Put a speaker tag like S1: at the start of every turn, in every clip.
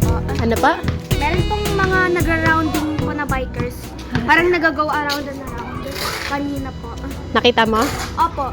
S1: po.
S2: Ano pa?
S1: Meron pong mga nagra-rounding po na bikers. Parang nag-go around and around. Kanina po.
S2: Nakita mo?
S1: Opo.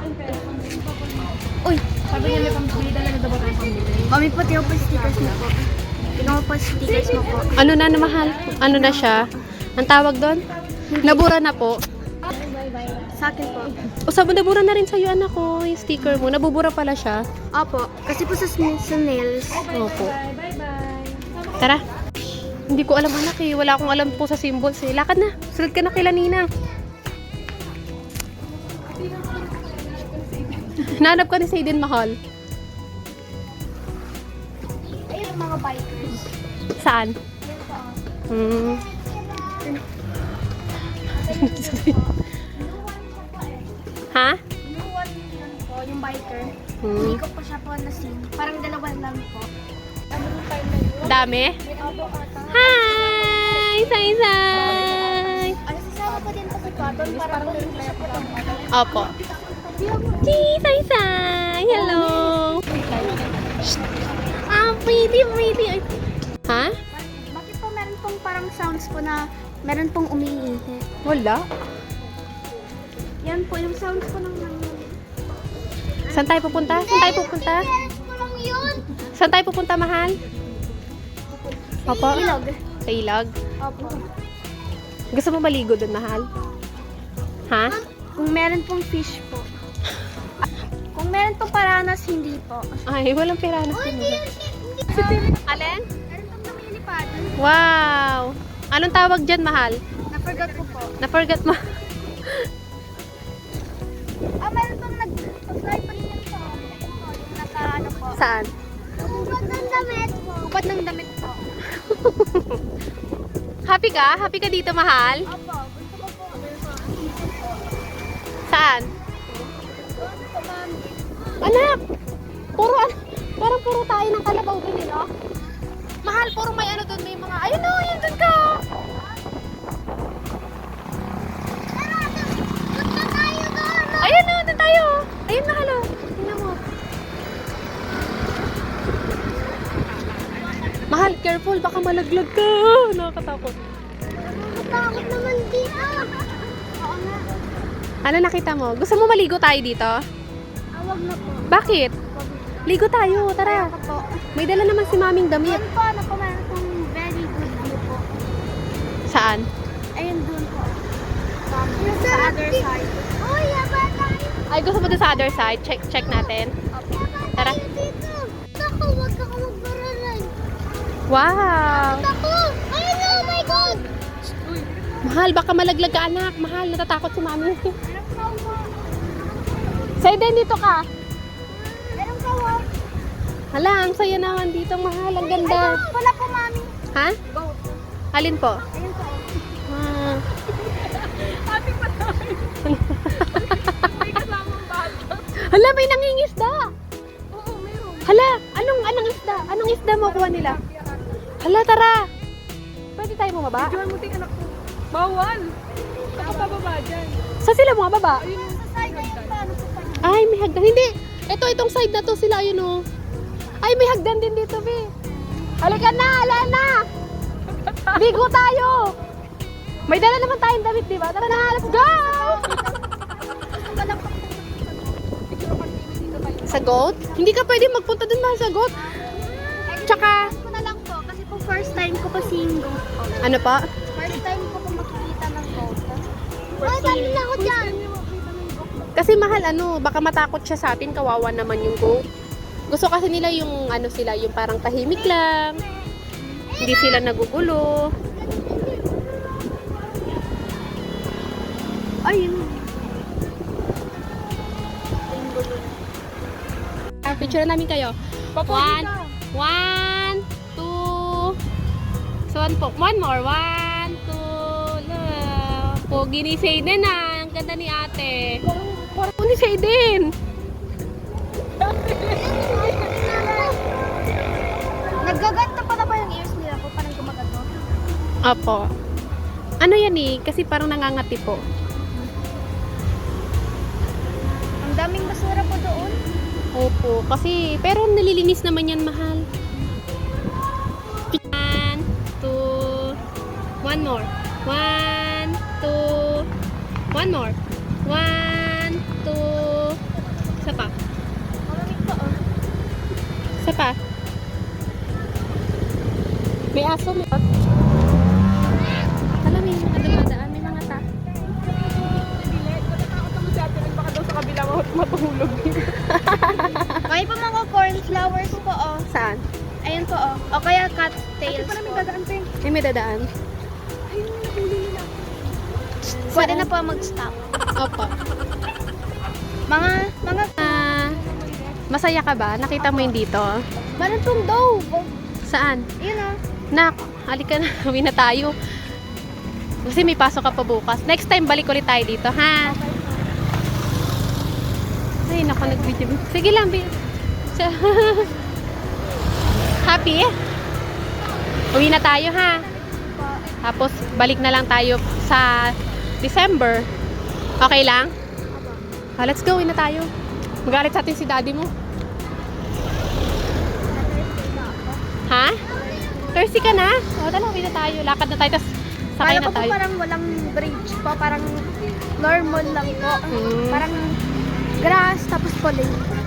S1: Uy,
S3: Sabi niya may pambili, dalaga daw ba tayong pambili?
S1: kami po tiyo po stickers mo po. Tingnan mo po stickers mo po.
S2: Ano na mahal? Ano na siya? Ang tawag doon? Nabura na po.
S1: Sa akin po.
S2: O sabi, nabura na rin sa'yo anak ko, yung sticker mo. Nabubura pala siya.
S1: Opo. Kasi po sa nails.
S2: Opo.
S3: Bye-bye.
S2: Tara. Hindi ko alam anak eh. Wala akong alam po sa symbols eh. Lakad na. Sunod ka na kila Ninang. Nanap ka ni Saiden mahal.
S1: Ayun ang mga bikers.
S2: Saan? Hmm. Ha?
S1: Yung one yun po, yung biker.
S2: Hmm.
S1: Hindi ko pa siya po na-see. Parang dalawa lang po. Ano yung time na yun?
S2: Dami?
S1: Opo, ata.
S2: Hi! Say!
S1: Ano, sasama po din po si Cotton. Parang hindi siya po lang.
S2: Opo. Say! Hello! Ah, pretty! Ay. Ha?
S1: Bakit po meron pong parang sounds po na meron pong umiihi?
S2: Wala.
S1: Yan po, yung sounds po ng
S2: Saan tayo pupunta? Saan tayo pupunta? Saan tayo pupunta, mahal? Opo?
S1: ilog.
S2: Sa ilog?
S1: Opo.
S2: Gusto mo maligo doon, mahal? Ha?
S1: Kung meron pong fish po. Kung meron pong paranas, hindi po.
S2: Ay, walang pera na sino. Alin?
S1: Meron pong namilipad.
S2: Wow! Anong tawag dyan, mahal?
S1: Na-forgot ko po.
S2: Na-forget mo.
S1: Meron pong nag-fly pa rin sa yung naka ano po.
S2: Saan?
S1: Hubad ng damit po. Hubad ng damit po.
S2: Happy ka? Happy ka dito, mahal?
S1: Opo, gusto ko po.
S2: Saan? Anak! Parang puro tayo ng kalabaw dun, no? Mahal, puro may ano dun, may mga, ayun o, yun dun ka! Ayun o, dun tayo! Ayun, mahal o. Tingnan mo. Mahal, careful, baka malaglag ka. Nakakatakot.
S1: Takot naman dito. Oo nga.
S2: Ano nakita mo? Gusto mo maligo tayo dito?
S1: Awag na po.
S2: Bakit? Ligo tayo, tara.
S1: Ako po.
S2: May dala naman si maming damit.
S1: Doon po, ano po, meron pong very good view po.
S2: Saan?
S1: Ayun doon po. Sa other side. Oh, yaba tayo.
S2: Ay, gusto mo doon sa other side? Check natin.
S1: Opo.
S2: Tara.
S1: Dito. Ako, wag ka magbaralay.
S2: Wow!
S1: Ako! Ayun na, oh my God!
S2: Mahal, baka malaglag ka anak. Mahal, natatakot si mami.
S1: Meron ka mo.
S2: Saiden, dito ka.
S1: Meron ka mo.
S2: Hala, ang saya naman dito, mahal. Ang ganda.
S1: Ayun, wala po, mami.
S2: Ha?
S1: Go.
S2: Alin po?
S1: Ayun po.
S2: Ah.
S3: Ating patay. May kasamang bata.
S2: Hala, may nangingisda.
S3: Oo, meron.
S2: Hala, anong isda? Anong isda mo kuha nila? Hala, tara. Pwede tayo bumaba?
S3: Diyan mo ting anak ko. Bawal. Saka pababa dyan.
S2: Saan sila bumaba?
S3: Ayun yung
S1: Sa side na yung paano po pa niya.
S2: Ay, may hagdan. Hindi. Itong side na to sila, ayun oh. Ay, may hagdan din dito, Bi. Halika na, ala na. Bigo tayo. May dala naman tayong damit, di ba? Tara na, let's go! Sa goat? Hindi ka pwede magpunta dun mahal sa goat. Tsaka,
S1: Ko na lang po, kasi po first time ko po seeing goat po.
S2: ano pa?
S1: First time ko po makikita ng goat. Ay, dali na ako dyan.
S2: Kasi mahal, baka matakot siya sa atin, kawawa naman yung goat. Gusto kasi nila yung, sila, yung parang tahimik lang. Hindi sila nagugulo.
S1: Ayun.
S2: Picture namin kayo.
S3: Papogi ka.
S2: 1, 2. So, one more. 1, 2. Love. Pogi ni Saiden ah. Ang ganda ni ate. Parang ni Saiden.
S1: Naggaganto pa na ba yung ears nila po? Parang gumagato?
S2: Opo. Ano yan eh? Kasi parang nangangati po.
S1: Ang daming basura po doon.
S2: Opo. Kasi, pero nalilinis naman yan, mahal. One more. 1, 2. One more. 1, 2. Isa pa.
S1: Malamig pa, oh.
S2: Isa pa. May aso. May... Alam, may mga dumadaan. May mga ta.
S3: Natatakot naman si Ate Ren, baka daw sa kabila matulog.
S1: May pa mga cornflowers po, oh.
S2: Saan?
S1: Ayun po, oh. O kaya cattails
S3: Ate,
S1: po.
S3: may dadaan, Peng.
S2: May dadaan.
S3: Ayun, nahuli nila.
S1: Pwede na po mag-stop.
S2: Opo.
S1: Mga,
S2: Masaya ka ba? Nakita mo yung dito?
S1: meron pong dove.
S2: Saan?
S1: Yun, oh.
S2: Nak, halika na. Uwi na tayo. Kasi may pasok ka pa bukas. Next time, balik ulit tayo dito, ha? Ay, naku, nag-video. Sige lang, Happy? Uwi na tayo, ha? Tapos, balik na lang tayo sa December. Okay lang? Let's go, uwi na tayo. Magalit sa atin si daddy mo. Ha? Thirsty ka na? O, tala, uwi na tayo. Lakad na tayo, tapos sakay
S1: Kala
S2: na
S1: ko po
S2: tayo.
S1: parang walang bridge po. Parang normal lang po.
S2: Hmm.
S1: Parang grass, tapos po lane.